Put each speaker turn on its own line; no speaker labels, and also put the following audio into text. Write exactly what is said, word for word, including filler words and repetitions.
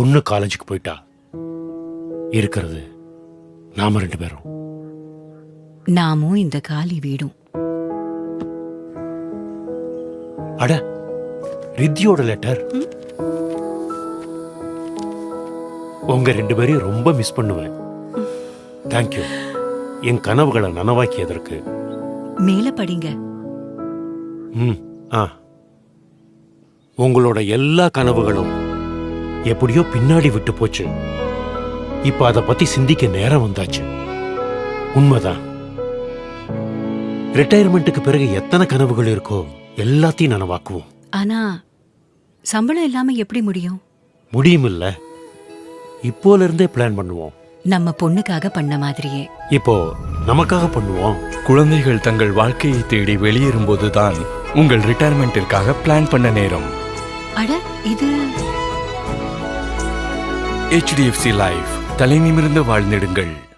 பொண்ணு காலேஜுக்கு போயிட்டா இருக்கிறது நாம ரெண்டு பேரும்.
நாமும் இந்த காலி வீடும்.
அட, ரித்தியோட லெட்டர். உங்க ரெண்டு பேரையும் ரொம்ப மிஸ் பண்ணுவேன். தேங்க்யூ என் கனவுகளை நனவாக்கியதற்கு.
மேல படிங்க.
ம் ஆ உங்களோட எல்லா கனவுகளும் எப்படியோ பின்னாடி விட்டு போச்சு. இப்ப அதை பத்தி சிந்திக்க நேரம் வந்தாச்சு. உண்மைதான். ரிட்டையர்மெண்ட்டுக்கு பிறகு எத்தனை கனவுகள் இருக்கோ எல்லாத்தையும் நனவாக்குவோம்.
ஆனா சம்பளம் இல்லாம எப்படி முடியும்?
முடியும் இல்ல, இப்போல இருந்தே பிளான் பண்ணுவோம்.
நம்ம பொண்ணுக்காக பண்ண மாதிரியே
இப்போ நமக்காக பண்ணுவோம்.
குழந்தைகள் தங்கள் வாழ்க்கையை தேடி வெளியேறும் போதுதான் உங்கள் ரிட்டையர்மெண்டிற்காக பிளான் பண்ண நேரம்.
அட, இது
H D F C life. தலை நிமிர்ந்து வாழ்ந்திடுங்கள்.